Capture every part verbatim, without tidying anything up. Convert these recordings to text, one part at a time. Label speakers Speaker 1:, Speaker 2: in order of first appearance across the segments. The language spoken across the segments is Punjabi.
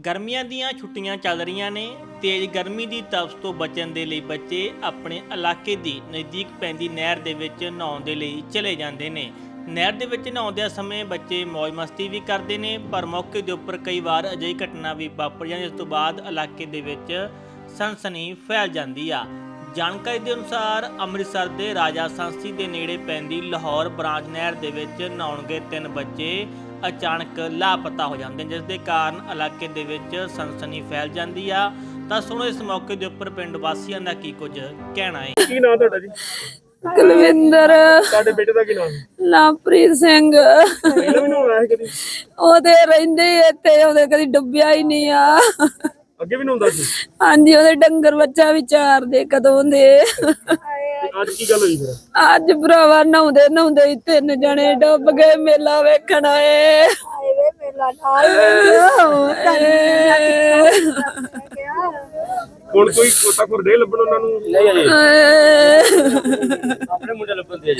Speaker 1: ਗਰਮੀਆਂ ਦੀਆਂ ਛੁੱਟੀਆਂ ਚੱਲ ਰਹੀਆਂ ਨੇ। ਤੇਜ਼ ਗਰਮੀ ਦੀ ਤਪਸ਼ ਤੋਂ ਬਚਣ ਦੇ ਲਈ ਬੱਚੇ ਆਪਣੇ ਇਲਾਕੇ ਦੀ ਨਜ਼ਦੀਕ ਪੈਂਦੀ ਨਹਿਰ ਦੇ ਵਿੱਚ ਨਹਾਉਣ ਦੇ ਲਈ ਚਲੇ ਜਾਂਦੇ ਨੇ। ਨਹਿਰ ਦੇ ਵਿੱਚ ਨਹਾਉਂਦਿਆਂ ਸਮੇਂ ਬੱਚੇ ਮौज ਮਸਤੀ ਵੀ ਕਰਦੇ ਨੇ, ਪਰ ਮੌਕੇ ਦੇ ਉੱਪਰ ਕਈ ਵਾਰ ਅਜਿਹੀ ਘਟਨਾ ਵੀ ਵਾਪਰ ਜਾਂਦੀ, ਇਸ ਤੋਂ ਬਾਅਦ ਇਲਾਕੇ ਦੇ ਵਿੱਚ ਸਨਸਨੀ ਫੈਲ ਜਾਂਦੀ ਆ। ਜਾਣਕਾਰੀ ਦੇ ਅਨੁਸਾਰ ਅੰਮ੍ਰਿਤਸਰ ਦੇ ਰਾਜਾ ਸੰਸੀ ਦੇ ਨੇੜੇ ਪੈਂਦੀ ਲਾਹੌਰ ਬ੍ਰਾਂਚ ਨਹਿਰ ਦੇ ਵਿੱਚ ਨਹਾਉਣ ਗਏ ਤਿੰਨ ਬੱਚੇ ਅਚਾਨਕ ਲਾਪਤਾ ਹੋ ਜਾਂਦੇ ਨੇ, ਜਿਸ ਦੇ ਕਾਰਨ ਇਲਾਕੇ ਦੇ ਵਿੱਚ ਸਨਸਨੀ ਫੈਲ ਜਾਂਦੀ ਆ। ਤਾਂ ਸੁਣੋ ਇਸ ਮੌਕੇ ਦੇ ਉੱਪਰ ਪਿੰਡ ਵਾਸੀਆਂ ਦਾ ਕੀ ਕੁਝ ਕਹਿਣਾ ਹੈ।
Speaker 2: ਕੀ ਨਾਮ ਤੁਹਾਡਾ ਜੀ?
Speaker 3: ਕੁਲਵਿੰਦਰ।
Speaker 2: ਤੁਹਾਡੇ ਬੇਟੇ ਦਾ ਕੀ ਨਾਮ ਹੈ?
Speaker 3: ਲਵਪ੍ਰੀਤ ਸਿੰਘ।
Speaker 2: ਪਹਿਲਾਂ ਵੀ ਨਹਾਉਣਾ ਹੈ ਕਦੀ?
Speaker 3: ਉਹਦੇ ਰਹਿੰਦੇ ਇੱਥੇ, ਉਹਦੇ ਕਦੀ ਡੁੱਬਿਆ ਹੀ ਨਹੀਂ ਆ।
Speaker 2: ਅੱਗੇ ਵੀ ਨਹਾਉਂਦਾ ਸੀ?
Speaker 3: ਹਾਂਜੀ, ਉਹਦੇ ਡੰਗਰ ਬੱਚਾ ਵੀ ਚਾਰ ਦੇ ਕਦੋਂ ਦੇ।
Speaker 2: ਅੱਜ ਕੀ ਗੱਲ ਹੋਈ ਫਿਰ?
Speaker 3: ਅੱਜ ਭਰਾਵਾ ਨਹਾਉਂਦੇ ਨਹਾਉਂਦੇ ਹੀ ਤਿੰਨ ਜਣੇ ਡੁੱਬ ਗਏ। ਮੇਲਾ ਵੇਖਣ ਆਏ।
Speaker 2: ਹੁਣ ਕੋਈ ਗੋਤਾਖੋਰ ਦੇ ਲੱਭਣ ਉਹਨਾਂ ਨੂੰ? ਨਹੀਂ ਅਜੇ ਆਪਣੇ ਮੁੰਡੇ ਲੱਭਣ ਦੇ ਅਜੇ।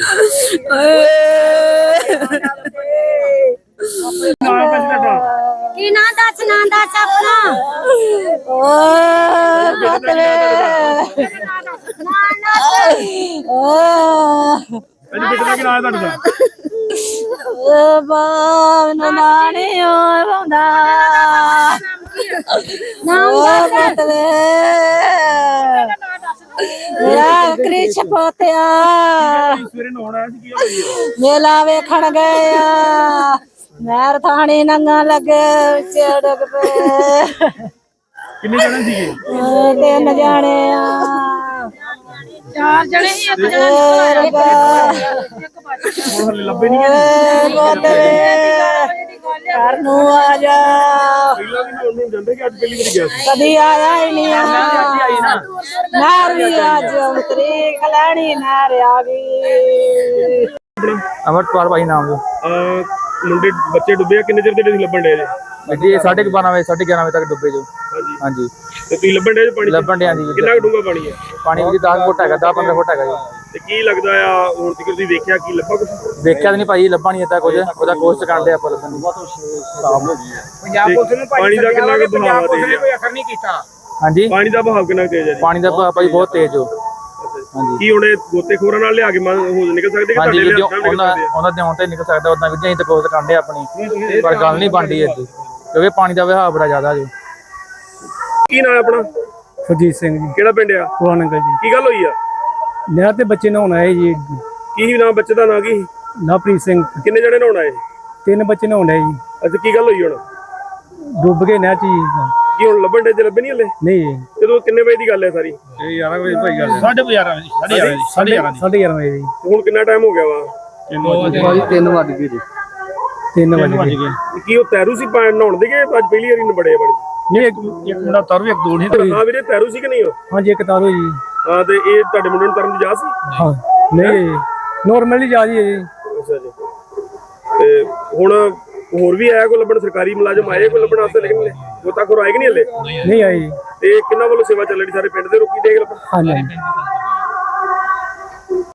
Speaker 4: ਕੀ ਨਾਂ ਦੱਸ, ਨਾਂ ਦੱਸ ਆਪਣਾ।
Speaker 3: ਓ ਬਤਰੇ ਓ
Speaker 2: ਅੱਜ ਬੇਟੇ ਦਾ ਕੀ ਨਾਮ ਹੈ ਤੁਹਾਡਾ?
Speaker 3: ਓ ਬਾ ਨਾਨੀ ਓ ਰੋਂਦਾ ਨਾਮ ਬਤਰੇ ਯਾ ਕ੍ਰਿਸ਼ ਪੋਤਿਆ
Speaker 2: ਸਵੇਰੇ ਨਹਾਉਣਾ ਹੈ ਕੀ ਹੋਈ ਹੈ?
Speaker 3: ਮੇਲਾ ਵੇਖਣ ਗਏ ਆ। ਨਹਿਰ ਥਾਣੀ ਨੰਗਾ ਲੱਗੇ ਵਿੱਚ ਡੁੱਬ ਪਏ।
Speaker 2: ਕਿੰਨੇ ਜਣੇ ਸੀਗੇ?
Speaker 3: ਤਿੰਨ ਜਾਣੇ ਆ। ਚਾਰ ਜਣੇ ਹੀ, ਇੱਕ ਜਣਾ
Speaker 2: ਹੁਣ ਹਲੇ ਲੱਭੇ ਨਹੀਂ ਗਏ।
Speaker 3: ਘਰ ਨੂੰ ਆ ਜਾ।
Speaker 2: ਪਹਿਲਾਂ ਵੀ ਨਹਾਉਣ ਨੂੰ ਜਾਂਦੇ ਕਿ ਅੱਜ ਪਹਿਲੀ ਵਾਰੀ ਗਿਆ ਸੀ?
Speaker 3: ਕਦੀ ਆਇਆ ਹੀ ਨਹੀਂ ਆ। ਨਹਿਰ ਵੀ ਅੱਜ ਉਤਰੀ ਖਲਾਣੀ ਨਹਿਰ ਆ ਗਈ।
Speaker 5: ਅਮਰਪਾਲ ਭਾਈ ਨਾਮ ਦੇ।
Speaker 2: ਆ ਮੁੰਡੇ ਬੱਚੇ ਡੁੱਬੇ ਆ, ਕਿੰਨੇ ਚਿਰ ਦੇ ਤੁਸੀਂ ਲੱਭਣ ਡਏ ਜੇ?
Speaker 5: ਜੀ ਸਾਢੇ ਬਾਰਾਂ ਵਜੇ ਸਾਢੇ ਗਿਆਰਾਂ ਵਜੇ ਤੱਕ ਡੁੱਬੇ ਜੋ।
Speaker 2: ਹਾਂਜੀ
Speaker 5: ਹਾਂਜੀ
Speaker 2: ਤੇ ਤੁਸੀਂ ਲੱਭਣ ਡਏ ਜੇ ਪਾਣੀ?
Speaker 5: ਲੱਭਣ ਡਿਆ ਜੀ।
Speaker 2: ਕਿੰਨਾ ਕੁ ਡੂੰਘਾ ਪਾਣੀ ਹੈ?
Speaker 5: ਪਾਣੀ ਵਿੱਚ ਦਸ ਫੁੱਟ ਹੈਗਾ, ਦਸ ਪੰਦਰਾਂ ਫੁੱਟ ਹੈਗਾ ਜੀ।
Speaker 2: ਤੇ ਕੀ ਲੱਗਦਾ ਆ ਹੁਣ ਤੱਕ ਤੁਸੀਂ ਦੇਖਿਆ ਕੀ ਲੱਭਾ ਕੁਝ?
Speaker 5: ਦੇਖਿਆ ਤਾਂ ਨਹੀਂ ਭਾਈ, ਲੱਭਾ ਨਹੀਂ ਇੱਦਾਂ ਕੁਝ। ਉਹਦਾ ਕੋਸ਼ਿਸ਼ ਕਰਦੇ ਆਪਾਂ ਲੱਭਣ ਦੀ।
Speaker 2: ਪੰਜਾਬ ਪੁਲਿਸ ਨੂੰ ਪਾਣੀ ਦਾ ਕਿੰਨਾ ਕੁ ਬਹਾਅ ਆ? ਕੋਈ ਅਸਰ ਨਹੀਂ ਕੀਤਾ? ਹਾਂਜੀ ਪਾਣੀ ਦਾ ਬਹਾਅ ਕਿੰਨਾ ਤੇਜ਼ ਹੈ ਜੀ?
Speaker 5: ਪਾਣੀ ਦਾ ਵਹਾਅ ਭਾਈ ਬਹੁਤ ਤੇਜ਼ ਹੋ। ਹਾਂਜੀ
Speaker 2: ਕੀ ਹੁਣ ਇਹ ਗੋਤੇਖੋਰਾਂ ਨਾਲ ਲਿਆ ਕੇ ਹੋ ਨਿਕਲ ਸਕਦੇ ਕਿ
Speaker 5: ਹਾਂਜੀ
Speaker 2: ਤੁਹਾਡੇ
Speaker 5: ਵੀਡੀਓ
Speaker 2: ਨਾਲ ਨਿਕਲ
Speaker 5: ਉਹਨਾਂ
Speaker 2: ਸਕਦੇ ਆ?
Speaker 5: ਉਹਨਾਂ ਦੇ ਆਉਣ ਤੇ ਨਿਕਲ ਸਕਦਾ, ਉਦਾਂ ਵੀ ਅਸੀਂ ਤਾਂ ਕੋਸ਼ਿਸ਼ ਕਰਦੇ ਆਪਣੀ, ਪਰ ਗੱਲ ਨਹੀਂ ਬਣਦੀ ਇੱਥੇ ਕਿਉਂਕਿ ਪਾਣੀ ਦਾ ਵਹਾਅ ਬੜਾ ਜ਼ਿਆਦਾ ਜੋ।
Speaker 2: ਕੀ ਨਾਮ ਹੈ ਆਪਣਾ?
Speaker 6: ਸੁਰਜੀਤ ਸਿੰਘ ਜੀ,
Speaker 2: ਕਿਹੜਾ ਪਿੰਡ ਆ?
Speaker 6: ਪੁਰਾਣਗਲ ਜੀ।
Speaker 2: ਕੀ ਗੱਲ ਹੋਈ ਆ?
Speaker 6: ਨਹਿਰ ਤੇ ਬੱਚੇ ਨਹਾਉਣ ਆਏ ਜੀ।
Speaker 2: ਕੀ ਨਾਮ ਬੱਚੇ ਦਾ ਨਾਂ ਕੀ?
Speaker 6: ਲਵਪ੍ਰੀਤ ਸਿੰਘ।
Speaker 2: ਕਿੰਨੇ ਜਣੇ ਨਹਾਉਣ ਆਏ?
Speaker 6: ਤਿੰਨ ਬੱਚੇ ਨਹਾਉਣ ਆਏ ਜੀ,
Speaker 2: ਅੱਛਾ ਕੀ ਗੱਲ ਹੋਈ ਹੁਣ?
Speaker 6: ਡੁੱਬ ਗਏ ਨਹਿਰ ਚ ਜੀ।
Speaker 2: ਕੀ ਹੁਣ ਲੱਭਣ ਦੇ ਜੇ ਲੱਭੇ ਨਹੀਂ ਹਲੇ?
Speaker 6: ਨਹੀਂ ਜੀ,
Speaker 2: ਜਦੋਂ ਕਿੰਨੇ ਵਜੇ ਦੀ ਗੱਲ ਹੈ ਸਾਰੀ?
Speaker 6: ਇਹ ਗਿਆਰਾਂ ਵਜੇ ਭਾਈ ਗੱਲ
Speaker 2: ਸਾਢੇ ਗਿਆਰਾਂ ਵਜੇ
Speaker 6: ਸਾਢੇ ਗਿਆਰਾਂ ਵਜੇ ਜੀ।
Speaker 2: ਹੁਣ ਕਿੰਨਾ ਟਾਈਮ ਹੋ ਗਿਆ ਵਾ?
Speaker 6: ਭਾਜੀ ਤਿੰਨ ਵੱਜ ਗਏ ਜੀ। ਤਿੰਨ ਵੱਜ ਗਏ।
Speaker 2: ਕੀ ਉਹ ਤੈਰੂ ਸੀ ਪਾ- ਨਹਾਉਣ ਦੇ ਗਏ ਅੱਜ ਪਹਿਲੀ ਵਾਰੀ ਨਬੜੇ ਬੜੀ?
Speaker 6: ਨਹੀਂ ਇੱਕ ਇੱਕ ਮੁੰਡਾ ਤਰ ਇੱਕ ਦੋ ਨਹੀਂ।
Speaker 2: ਹਾਂ ਵੀਰੇ ਤੈਰੂ ਸੀ ਕਿ ਨਹੀਂ ਉਹ?
Speaker 6: ਹਾਂਜੀ ਇੱਕ ਤਾਰੋ ਜੀ।
Speaker 2: ਹਾਂ ਤੇ ਇਹ ਤੁਹਾਡੇ ਮੁੰਡੇ ਨੂੰ ਤਰਨ ਦੀ ਜਾ ਸੀ?
Speaker 6: ਹਾਂ ਨਹੀਂ ਨੋਰਮਲੀ ਜਾ ਜੀ ਜੀ।
Speaker 2: ਅੱਛਾ ਜੀ। ਤੇ ਹੁਣ ਹੋਰ ਵੀ ਆਇਆ ਕੋਈ ਲੱਭਣ? ਸਰਕਾਰੀ ਮੁਲਾਜ਼ਮ ਆਏ ਕੋਈ ਲੱਭਣ ਵਾਸਤੇ? ਲੇਕਿਨ ਗੋਤਾਖੋਰ ਆਏ ਕਿ ਨਹੀਂ ਹਲੇ?
Speaker 6: ਨਹੀਂ ਆਈ।
Speaker 2: ਤੇ ਕਿੰਨਾ ਵੱਲੋਂ ਸੇਵਾ ਚੱਲ ਰਹੀ ਸਾਰੇ ਪਿੰਡ ਦੇ? ਰੋਕੀ ਦੇਖ ਲੱਭਣ?
Speaker 6: ਹਾਂਜੀ